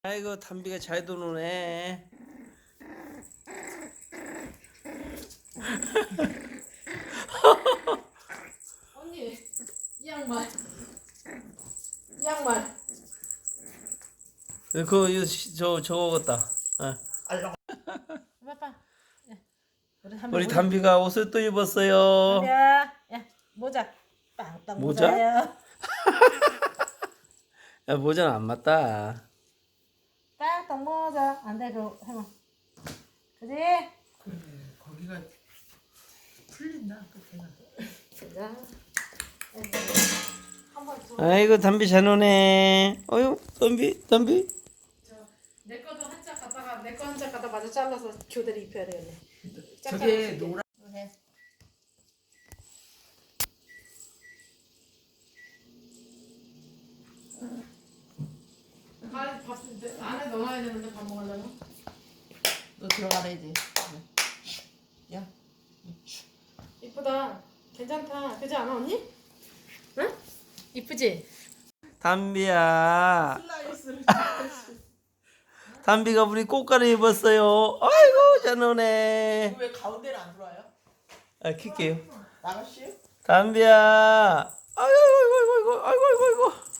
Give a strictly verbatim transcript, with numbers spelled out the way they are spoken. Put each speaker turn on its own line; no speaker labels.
아이고 담비가 잘 도노네.
언니 이 양말 이 양말
그거 이거 시- 저 저거 같다. 어.
봐봐. 우리
우리 담비가 옷을 또 입었어요.
담비야, 야 모자 빵빵
모자?
모자예요.
야, 모자는 안 맞다.
빵빵 모자 안돼 그 해봐. 그지?
거기가 풀린다 끝에가.
자, 한번 줘.
아이고 담비 잘 노네. 어유 담비 담비.
내 거도 한 짝 갖다가 내 거 한 짝 갖다 마저 잘라서 교대로 입혀야 되겠네.
저게 노란.
해. 아, 밥 안에 넣어야 되는데 밥 먹으려면.
너 들어가야지. 야.
이쁘다. 괜찮다. 그지 않아 언니? 응? 이쁘지?
담비야.
슬라이스를.
담비가 우리 꽃가루 입었어요. 아이고 잘 노네.
왜 가운데를 안 들어와요?
아 킬게요.
나가시요?
담비야. 아이고 아이고 아이고 아이고 아이고 아이고.